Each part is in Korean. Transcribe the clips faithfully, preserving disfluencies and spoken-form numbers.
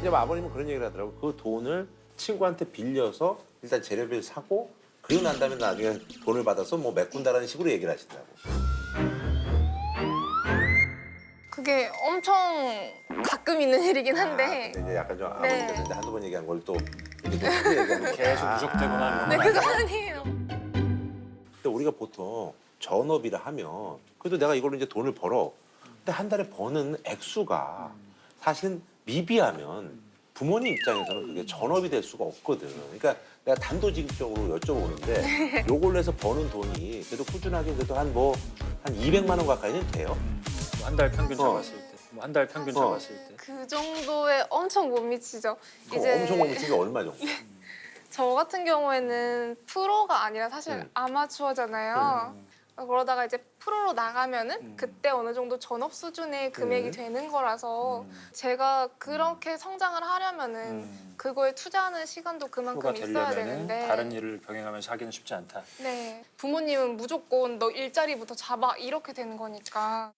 이제 아버님은 그런 얘기를 하더라고. 그 돈을 친구한테 빌려서 일단 재료비를 사고 그리고 난 다음에 나중에 돈을 받아서 뭐 메꾼다라는 식으로 얘기를 하시더라고. 그게 엄청 가끔 있는 일이긴 한데. 아, 근데 이제 약간 좀 네. 아버님께서 이제 한두 번 얘기한 걸 또 이렇게 또 크게 얘기하는 거야. 계속 누적되거나 네, 그거 아니에요. 근데 우리가 보통 전업이라 하면 그래도 내가 이걸로 이제 돈을 벌어. 근데 한 달에 버는 액수가 사실은 미비하면 부모님 입장에서는 그게 전업이 될 수가 없거든. 그러니까 내가 단도직입적으로 여쭤보는데 요걸로 해서 버는 돈이 그래도 꾸준하게 그래도 한 뭐 한 이백만 원 가까이는 돼요. 한 달 평균 어. 잡았을 때, 뭐 한 달 평균 어. 잡았을 때. 그 정도에 엄청 못 미치죠. 그럼 엄청 못 미친 게 얼마 정도? 저 같은 경우에는 프로가 아니라 사실 음. 아마추어잖아요. 그러다가 이제 프로로 나가면은 음. 그때 어느 정도 전업 수준의 금액이 음. 되는 거라서 음. 제가 그렇게 성장을 하려면은 음. 그거에 투자하는 시간도 그만큼 프로가 있어야 되려면은 되는데 다른 일을 병행하면서 하기는 쉽지 않다. 네, 부모님은 무조건 너 일자리부터 잡아 이렇게 되는 거니까.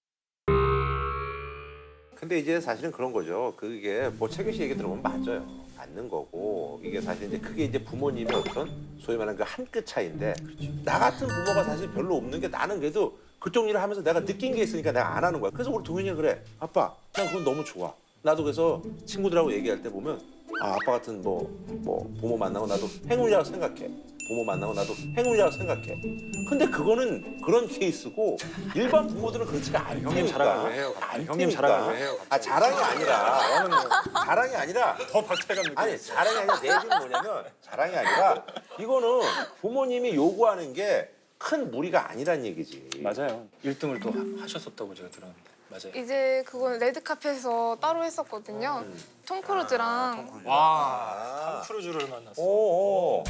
근데 이제 사실은 그런 거죠. 그게 뭐 최규 씨 얘기 들어보면 맞아요. 맞는 거고 이게 사실 이제 그게 이제 부모님의 어떤 소위 말하는 그 한 끗 차이인데 나 같은 부모가 사실 별로 없는 게 나는 그래도 그쪽 일을 하면서 내가 느낀 게 있으니까 내가 안 하는 거야. 그래서 우리 동현이가 그래. 아빠, 난 그건 너무 좋아. 나도 그래서 친구들하고 얘기할 때 보면 아, 아빠 같은 뭐, 뭐 부모 만나고 나도 행운이라고 생각해. 부모 만나고 나도 행운이라고 생각해. 근데 그거는 그런 케이스고 일반 부모들은 그렇지가 않으니까. 형님 자랑을 왜 해요? 안 형님 되니까. 자랑을 왜 해요? 아, 자랑이 아니라. 저는 뭐 자랑이 아니라 더 박탈감 느끼고 아니 자랑이 아니라 내 얘기는 뭐냐면 자랑이 아니라 이거는 부모님이 요구하는 게 큰 무리가 아니란 얘기지. 맞아요. 일 등을 또 하- 하셨었다고 제가 들었는데 맞아요. 이제 그건 레드카펫에서 따로 했었거든요. 음. 톰 크루즈랑 와, 아. 톰 크루즈를 만났어. 오, 오.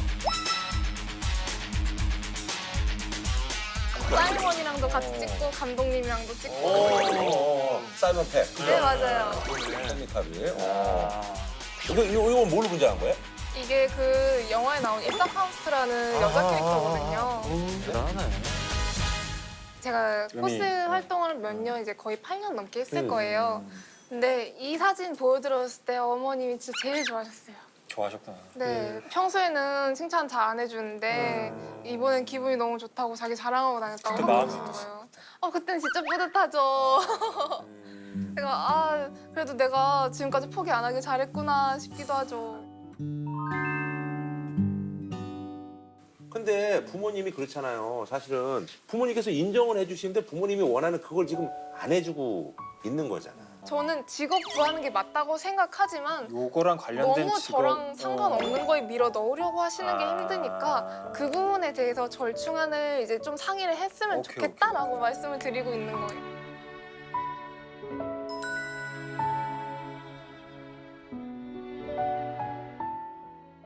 사이먼이랑도 같이 찍고 감독님이랑도 찍고. 오. 사이먼 팩. 네, 맞아요. 샌디카비. 아, 이거 이거 이거 뭘로 분장한 거예요? 이게 그 영화에 나온 이사 파우스트라는 여자 캐릭터거든요. 대단하네. 제가 의미, 코스 어. 활동을 몇 년 이제 거의 팔 년 넘게 했을 음. 거예요. 근데 이 사진 보여드렸을 때 어머님이 진짜 제일 좋아하셨어요. 좋아하셨구나. 네, 평소에는 칭찬 잘 안 해주는데 이번엔 기분이 너무 좋다고 자기 자랑하고 다녔다고 그때 하고 마음이 계시더라고요. 어, 그땐 진짜 뿌듯하죠. 제가 아, 그래도 내가 지금까지 포기 안 하길 잘했구나 싶기도 하죠. 근데 부모님이 그렇잖아요. 사실은 부모님께서 인정을 해주시는데 부모님이 원하는 그걸 지금 안 해주고 있는 거잖아. 저는 직업 구하는 게 맞다고 생각하지만 요거랑 관련된 너무 직업, 저랑 상관없는 어. 거에 밀어 넣으려고 하시는 게 아. 힘드니까 그 부분에 대해서 절충안을 이제 좀 상의를 했으면 오케이, 좋겠다라고 말씀을 드리고 있는 거예요.